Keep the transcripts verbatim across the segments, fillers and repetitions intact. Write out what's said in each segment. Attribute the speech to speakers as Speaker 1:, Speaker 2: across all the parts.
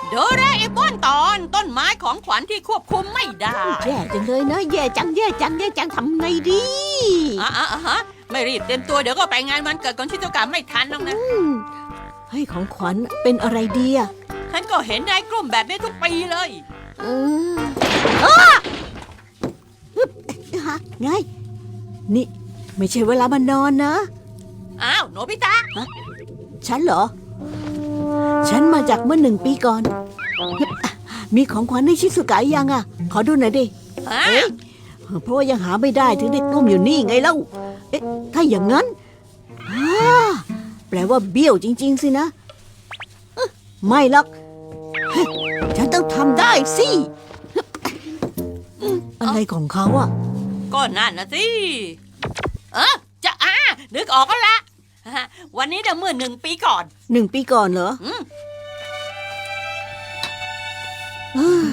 Speaker 1: โดราเอมอนตอนต้นไม้ของขวัญที่ควบคุมไม่ได้
Speaker 2: แย่จังเลยนะแย่จังแย่จังแย่จังทำไงดี
Speaker 1: อ่ะอ่ะอ่ะฮะไม่รีบเตรียมตัวเดี๋ยวก็ไปงานวันเกิดของชิโตกะไม่ทันหรอกนะ
Speaker 2: อืมให้ของขวัญเป็นอะไรดีอ่ะ
Speaker 1: ฉันก็เห็นนายกลุ่มแบบนี้ทุกปีเลย
Speaker 2: เอออ้าฮึบฮะไงนี่ไม่ใช่เวลามานอนนะ
Speaker 1: อ้าวโนบิตะ
Speaker 2: ฉันเหรอ ฉันมาจากเมื่อหนึ่งปีก่อน มีของขวัญให้ชิสุกะยังอ่ะ ขอดูหน่อยดิ
Speaker 1: ฮะ
Speaker 2: เอ๊ะเพราะว่ายังหาไม่ได้ถึงได้กลุ้มอยู่นี่ไงเล่า เอ๊ะ ถ้าอย่างนั้นอ่าแปลว่าเบี้ยวจริง ๆ สินะเอ๊ะไม่หรอกเฮ้ยฉันต้องทำได้สิอืมอะไรของเขาอ่ะ
Speaker 1: ก็นั่นนะสิเออจะอ่านึกออกก็ละฮะวันนี้เดี๋ยวเมื่อหนึ่งปีก่อน
Speaker 2: หนึ่งปีก่อนเหรอ
Speaker 1: อืม
Speaker 2: อ่า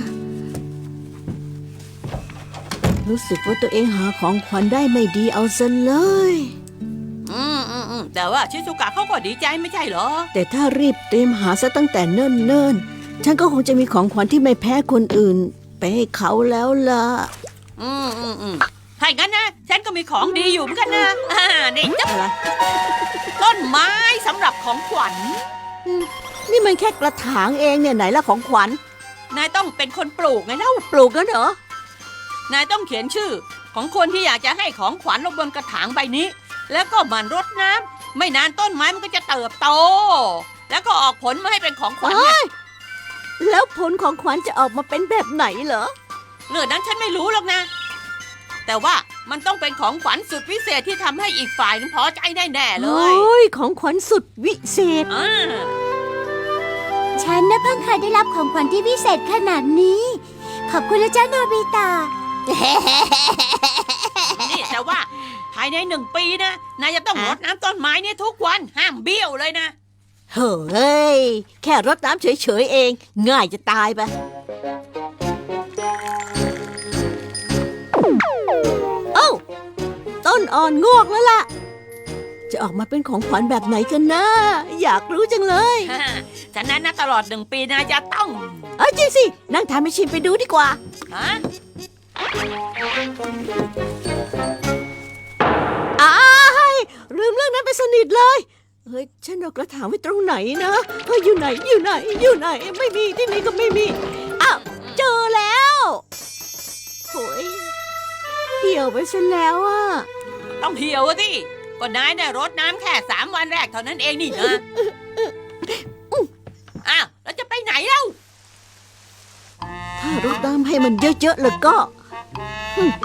Speaker 2: รู้สึกว่าตัวเองหาของขวัญได้ไม่ดีเอาซะเลย
Speaker 1: อืมอืมอืมแต่ว่าชิซุกะเขาก็ดีใจไม่ใช่เหรอ
Speaker 2: แต่ถ้ารีบเตรียมหาซะตั้งแต่เนิ่นๆ ฉันก็คงจะมีของขวัญที่ไม่แพ้คนอื่น ไปให้เขาแล้วล่ะ
Speaker 1: อืมอืมอืมถ้าอย่างนั้นนะฉันก็มีของดีอยู่เหมือนกันนะอ่านี่จ้ะ
Speaker 2: อะไร
Speaker 1: ต้นไม้สำหรับของขวัญ
Speaker 2: นี่มันแค่กระถางเองเนี่ยไหนละของขวัญ
Speaker 1: นายต้องเป็นคนปลูกไงเล่า
Speaker 2: ปลูกกันเหรอ
Speaker 1: นายต้องเขียนชื่อ ของคนที่อยากจะให้ของขวัญลงบนกระถางใบนี้ แล้วก็หมั่นรดน้ำไม่นานต้นไม้มันก็จะเติบโต แล้วก็ออกผลมาให้เป็นของขวัญไง
Speaker 2: แล้วผลของขวัญจะออกมาเป็นแบบไหนเหรอ
Speaker 1: เรื่องนั้นฉันไม่รู้หรอกนะ แต่ว่ามันต้องเป็นของขวัญสุดพิเศษที่ทำให้อีกฝ่ายนึงพอใจแน่ๆเล
Speaker 2: โอ้
Speaker 1: ย
Speaker 2: ยของขวัญสุดวิเศษ
Speaker 1: อ่า
Speaker 3: ฉันน่ะเพิ่งเคยได้รับของขวัญที่พิเศษขนาดนี้ ขอบคุณนะจ๊ะโนบิตะ
Speaker 1: นี่แต่ว่าภายในหนึ่งปีนะนายจะต้องรดน้ำต้นไม้เนี่ยทุกวันห้ามเบี้ยวเลยนะ
Speaker 2: เฮ้ย แค่รดน้ำเฉยๆเอง ง่ายจะตายไป เอ้า ต้นอ่อนงอกแล้วล่ะ จะออกมาเป็นของขวัญแบบไหนกันนะ อยากรู้จังเลย
Speaker 1: ฉะนั้นนะตลอดหนึ่งปีนายจะต้อง
Speaker 2: เอ้ยจริงสิ นั่งทานไปชิมไปดูดีกว่า
Speaker 1: ฮะ
Speaker 2: อ้ายลืมเรื่องนั้นไปสนิทเลย เฮ้ย ฉันเอากระถางไว้ตรงไหนนะเฮ้ยอยู่ไหน อยู่ไหน อยู่ไหน ไม่มี ที่นี่ก็ไม่มี อ้าว เจอแล้วโอ้ยเหี่ยวไปซะแล้วอ่ะ
Speaker 1: ต้องเหี่ยวอะสิก็นายเนี่ยรดน้ำแค่สามวันแรกเท่านั้นเองนี่นะอ้าวแล้วจะไปไหนเล่า
Speaker 2: ถ้ารดน้ำให้มันเยอะๆแล้วก็อืม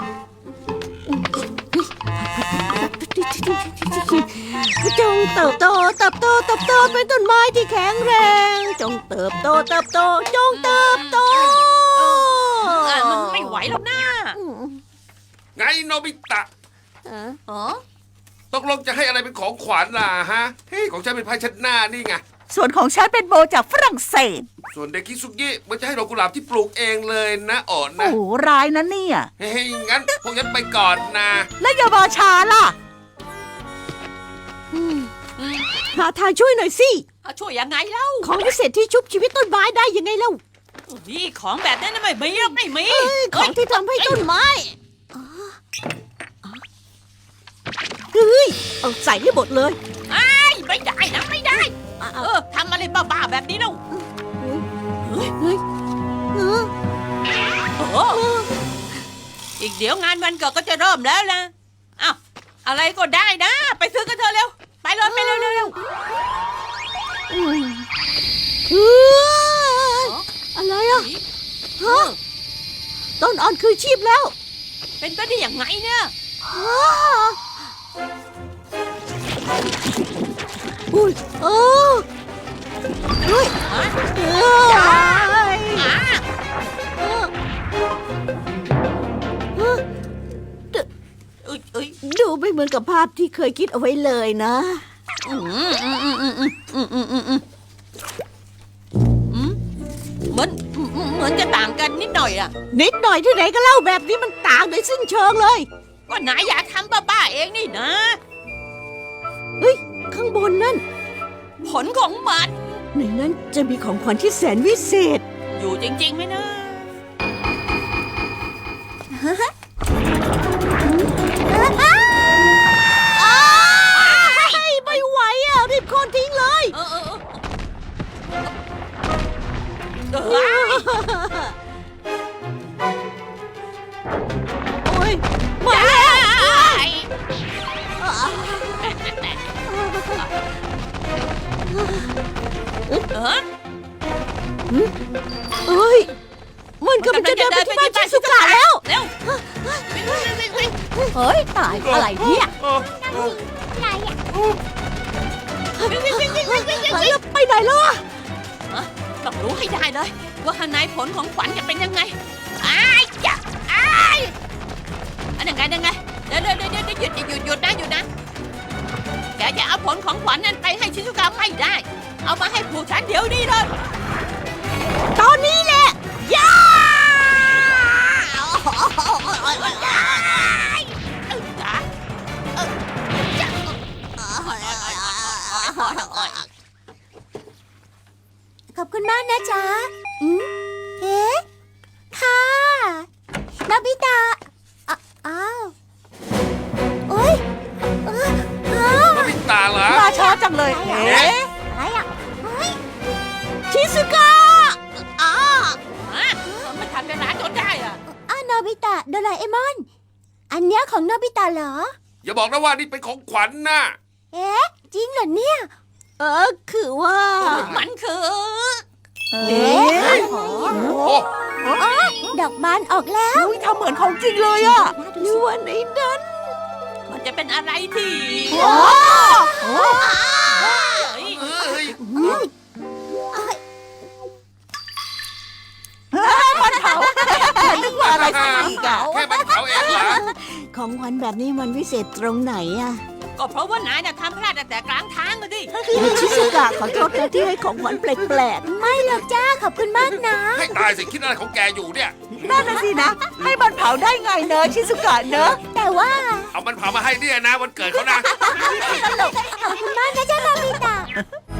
Speaker 2: จงเติบโตเติบโตเติบโตเป็นต้นไม้ที่แข็งแรง จงเติบโตเติบโตจงเติบโต
Speaker 1: อ่ะมันไม่ไหวหรอกนะ
Speaker 4: ไงโนบิตะ
Speaker 1: อ๋อ
Speaker 4: ตกลงจะให้อะไรเป็นของขวัญล่ะฮะ เฮ้ยของฉันเป็นไพ่เชัดหน้านี่ไง
Speaker 5: ส่วนของฉันเป็นโบจากฝรั่งเศส
Speaker 4: ส่วนเด็กคิซุกิมันจะให้ดอกกุหลาบที่ปลูกเองเลยนะอ่อน
Speaker 5: โอ้
Speaker 4: นะ
Speaker 5: โหร้ายนะเนี่ย
Speaker 4: เฮ้ยงั้นพวกฉันไปก่อนนะ
Speaker 5: แล้วอย่ามาช้าล่ะ
Speaker 2: หาทางช่วยหน่อยสิ
Speaker 1: เอาช่วยยังไงเล่า
Speaker 2: ของพิเศษที่ชุบชีวิตต้นไม้ได้ยังไงเล่า
Speaker 1: นี่ของแบบนั้นนะไม่มีหรอกไม่มี
Speaker 2: ของที่ทำให้ต้นไม้เฮ้ย เอาใส่ให้หมดเลย
Speaker 1: ไอ้ยไม่ได้นะไม่ได้ เออทำอะไรบ้าๆแบบนี้เล่า
Speaker 2: เฮ้ยเฮ้ยเออ
Speaker 1: โอ้โหอีกเดี๋ยวงานวันเกิดก็จะเริ่มแล้วนะอ้าวอะไรก็ได้นะ ไปซื้อกันเถอะเร็วไปเลยไปเร็วเร็วเร็ว
Speaker 2: เฮ้ยเฮ้ยอะไรอ่ะฮะต้นอ่อนคือชีพแล้ว
Speaker 1: เป็นไปได้ยังไงเนี่ย
Speaker 2: อ้าอุ้ยเออเฮ้ย
Speaker 1: ฮะ
Speaker 2: เอ้ย
Speaker 1: อ่า
Speaker 2: เออเออ
Speaker 1: เอ้ยเอ้ย
Speaker 2: ดูไม่เหมือนกับภาพที่เคยคิดเอาไว้เลยนะ
Speaker 1: อืมอืมอืมอืมอืมอืมอืมอืมอืมเหมือนเหมือนจะต่างกันนิดหน่อยอะ
Speaker 2: นิดหน่อยที่ไหนก็เล่าแบบนี้มันต่างโดยสิ้นเชิงเลย
Speaker 1: ก็นายอยากทำบ้าๆเองนี่นะ
Speaker 2: เฮ้ย ข้างบนนั่น
Speaker 1: ผลของมัน
Speaker 2: ในนั้นจะมีของขวัญที่แสนวิเศษ
Speaker 1: อยู่จริงๆไหมนะ
Speaker 2: ไม่ไหวอ่ะ รีบโคนทิ้งเลย
Speaker 1: เออเออเออเอ้ย
Speaker 2: โอ้ย
Speaker 1: มาแล้วเออ
Speaker 2: เอ้ย มันกำลังจะเดินไปที่บ้านชิสุกะแล้ว
Speaker 1: เร็ววิ่งวิ่งวิ่งวิ่ง
Speaker 3: เฮ้ย ตายอะไรเนี่ย
Speaker 1: วิ่งวิ่งวิ่งวิ่งวิ่งวิ่งวิ่ง
Speaker 2: แล้วไปไหนแล้วอะ
Speaker 1: ต้องรู้ให้ได้เลย ว่าข้างในผลของขวัญจะเป็นยังไงอ้ายจ้ะอ้ายอันยังไงยังไงเดี๋ยวเดี๋ยวเดี๋ยวหยุดหยุดหยุดนะหยุดนะแกจะเอาผลของขวัญนั้นไปให้ชิซุกะไม่ได้ เอามาให้ผู้ฉันเดี๋ยวนี้เลย
Speaker 2: ตอนนี้แหละย่า
Speaker 3: ขอบคุณมากนะจ๊ะอืมเอ๊ะค่ะนาบิตะอ่ะอ้าวโอ๊ยเอออ้าว
Speaker 4: โนบิตะเหรอ
Speaker 5: มาช้าจังเลย เอ๊ะ
Speaker 3: อะไรอ่ะเฮ้ย
Speaker 2: ชิสุกะอ้า
Speaker 1: ฮะไม่ทันเวลาจนได้อะ
Speaker 3: อ้าวโนบิตะโดราเอมอน อันเนี้ยของโนบิตะเหรอ
Speaker 4: อย่าบอกนะว่านี่เป็นของขวัญนะ
Speaker 3: เอ๊ะ จริงเหรอเนี่ย
Speaker 2: เออ คือว่า
Speaker 1: มันคือ
Speaker 5: เอ๊ะ
Speaker 4: โอ้
Speaker 3: ดอกบานออกแล้ว
Speaker 5: อุ้ยทำเหมือนของจริงเลยอะ
Speaker 2: หรือว่าในนั้น
Speaker 1: มันจะเป็นอะไรที่
Speaker 5: โอ้
Speaker 1: เฮ้ย
Speaker 4: เอ้ย
Speaker 5: มันเผานึกว่าอะไรสักอีกอะ
Speaker 4: แค่มันเขาเองเหรอ
Speaker 2: ของขวัญแบบนี้มันวิเศษตรงไหนอะ
Speaker 1: ก็เพราะว่านายน่ะทำพลาดตั้งแต่กลางทางเลยดิ
Speaker 2: ชิสุกะขอโทษนะที่ให้ของขวัญแปลก
Speaker 3: ไม่หรอกจ้า ขอบคุณมากนะ
Speaker 4: ให้ตายสิคิดอะไรของแกอยู่เนี่ย
Speaker 5: นั่นน่ะสินะ ให้มันเผาได้ไงเนอะชิซุกะเนอะ
Speaker 3: แต่ว่า
Speaker 4: เอามันเผามาให้เนี่ยนะวันเกิดเขานะ
Speaker 3: ขอบคุณมากนะจ้าโนบิตะ